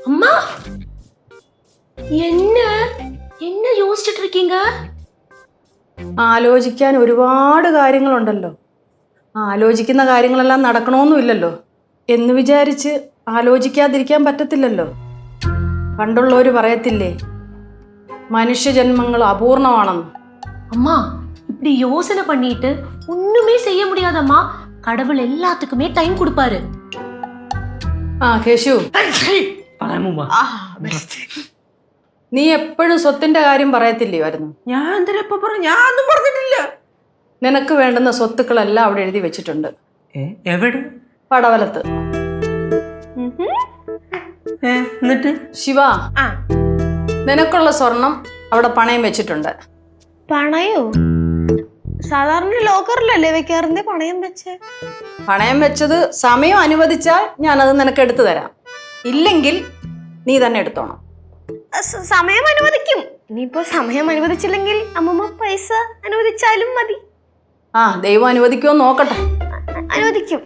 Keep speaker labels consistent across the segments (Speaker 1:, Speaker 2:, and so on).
Speaker 1: அம்மா என்ன என்ன யோசிச்சுட்டு இருக்கீங்க?
Speaker 2: ആലോചിക്കാൻ ഒരുപാട് കാര്യങ്ങളുണ്ടല്ലോ. ആലോചിക്കുന്ന കാര്യങ്ങളെല്ലാം നടക്കണമെന്നുമില്ലല്ലോ എന്ന് വിചാരിച്ച് ആലോചിക്കാതിരിക്കാൻ പറ്റത്തില്ലല്ലോ. പണ്ടുള്ളവർ പറയത്തില്ലേ, മനുഷ്യജന്മങ്ങൾ അപൂർണമാണെന്ന്.
Speaker 1: அம்மா இப்படி யோசனை பண்ணிட்டு ஒண்ணுமே செய்ய முடியாதம்மா. கடவுள் எல்லாத்துக்குமே டைம் கொடுப்பாரு.
Speaker 2: കേശു, നീ എപ്പോഴും സ്വത്തിന്റെ കാര്യം പറയത്തില്ലയായിരുന്നു.
Speaker 3: ഞാൻ എന്തിനാ പറഞ്ഞു? ഞാനൊന്നും പറഞ്ഞിട്ടില്ല.
Speaker 2: നിനക്ക് വേണ്ടുന്ന സ്വത്തുക്കളെല്ലാം അവിടെ എഴുതി വെച്ചിട്ടുണ്ട്.
Speaker 3: എവിടെ?
Speaker 2: പടവലത്ത്.
Speaker 3: എന്നിട്ട്
Speaker 2: ശിവ, നിനക്കുള്ള സ്വർണം അവിടെ പണയം വെച്ചിട്ടുണ്ട്.
Speaker 4: പണയോ? സാധാരണ ലോക്കറിലല്ലേ വെക്കാറുണ്ട് പണയം വെച്ച്?
Speaker 2: പണയം വെച്ചത് സമയം അനുവദിച്ചാൽ ഞാനത് നിനക്ക് എടുത്തു തരാം. ഇല്ലെങ്കിൽ നീ തന്നെ എടുത്തോണം.
Speaker 4: സമയം അനുവദിക്കും. ഇനിയിപ്പോ സമയം അനുവദിച്ചില്ലെങ്കിൽ അമ്മമ്മ പൈസ അനുവദിച്ചാലും മതി.
Speaker 2: ദൈവം അനുവദിക്കുമോ നോക്കട്ടെ.
Speaker 4: അനുവദിക്കും.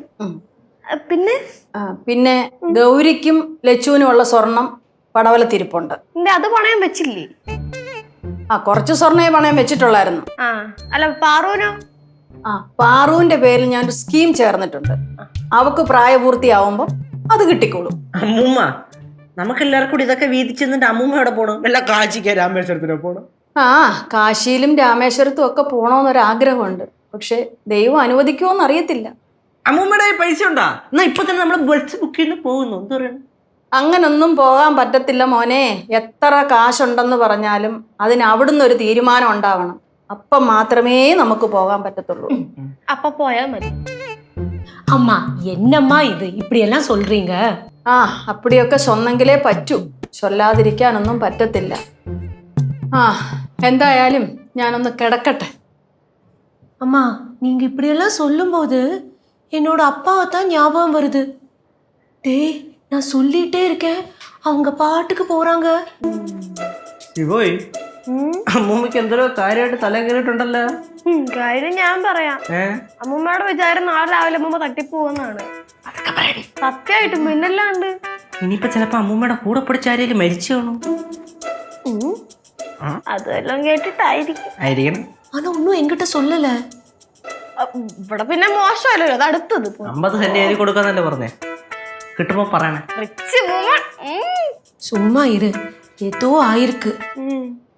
Speaker 2: പിന്നെ ഗൗരിക്കും ലച്ചുവിനും ഉള്ള സ്വർണം പടവലത്തിരിപ്പുണ്ട്.
Speaker 4: അത് പണയം വെച്ചില്ലേ?
Speaker 2: കുറച്ച് സ്വർണ്ണേ പണയം വെച്ചിട്ടുള്ളായിരുന്നു.
Speaker 4: അല്ല പാറുവിനോ?
Speaker 2: പാറുവിന്റെ പേരിൽ ഞാനൊരു സ്കീം ചേർന്നിട്ടുണ്ട്. അവക്ക് പ്രായപൂർത്തിയാവുമ്പോ അത് കിട്ടിക്കോളും.
Speaker 3: അമ്മൂമ്മ, നമുക്കെല്ലാവർക്കും കൂടി ഇതൊക്കെ വീതിച്ചെന്നിട്ട് അമ്മൂമ്മ എവിടെ പോണം? വല്ല കാശിക്ക് രാമേശ്വരത്തിനോ പോണം?
Speaker 2: കാശിയിലും രാമേശ്വരത്തും ഒക്കെ പോണോന്നൊരാഗ്രഹമുണ്ട്. പക്ഷെ ദൈവം അനുവദിക്കുമോന്ന് അറിയത്തില്ല.
Speaker 3: അമ്മൂമ്മയുടെ പൈസ ഉണ്ടാ? എന്നാ ഇപ്പൊ തന്നെ നമ്മള് ബസ് ബുക്ക് ചെയ്ത് പോകുന്നു. എന്ത് പറയണം?
Speaker 2: അങ്ങനൊന്നും പോകാൻ പറ്റത്തില്ല മോനെ. എത്ര കാശുണ്ടെന്ന് പറഞ്ഞാലും അതിന് അവിടുന്ന് ഒരു തീരുമാനം ഉണ്ടാവണം. അപ്പം മാത്രമേ നമുക്ക് പോകാൻ പറ്റത്തുള്ളൂ.
Speaker 4: അപ്പൊ പോയാ മതി.
Speaker 1: அம்மா என்னம்மா இது இப்படி எல்லாம் சொல்றீங்க?
Speaker 2: അപ്പടിയൊക്കെ ചൊന്നെങ്കിലേ പറ്റൂ. ചൊല്ലാതിരിക്കാനൊന്നും പറ്റത്തില്ല. എന്തായാലും ഞാനൊന്ന് കിടക്കട്ടെ.
Speaker 1: அம்மா நீங்க இப்படி எல்லாம் சொல்லும்போது என்னோட அப்பாவை தான் ஞாபகம் வருது. டேய், நான் சொல்லிட்டே இருக்கேன், அவங்க பாட்டுக்கு போறாங்க.
Speaker 3: പോയി അമ്മൂമ്മക്ക് എന്തോ കാര്യമായിട്ട് തല കയറിയിട്ടുണ്ടല്ലോ.
Speaker 4: കാര്യം ഞാൻ പറയാം. അമ്മൂമ്മയുടെ വിചാരം നാളെ രാവിലെ അമ്മൂമ്മ തട്ടിപ്പോവെന്നാണ്. സത്യമായിട്ടും പിന്നല്ലാണ്ട്.
Speaker 3: ഇനിയിപ്പോ ചിലപ്പോ അമ്മൂമ്മയുടെ കൂടെ പിടിച്ച ആരെങ്കിലും മരിച്ചു കാണും.
Speaker 4: അതെല്ലാം കേട്ടിട്ടായിരിക്കും.
Speaker 1: ஆனா ஒன்னும் என்கிட்ட சொல்லல.
Speaker 4: ഇവിടെ പിന്നെ മോശമല്ലോ, അത് അടുത്തത്
Speaker 3: 50 സെന്റ് എഴുതി കൊടുക്കാന്നല്ലേ പറഞ്ഞേ. കിട്ടുമ്പോ പറയണേ.
Speaker 1: சும்மா இரு, ஏதோ ஆயிருக்கு.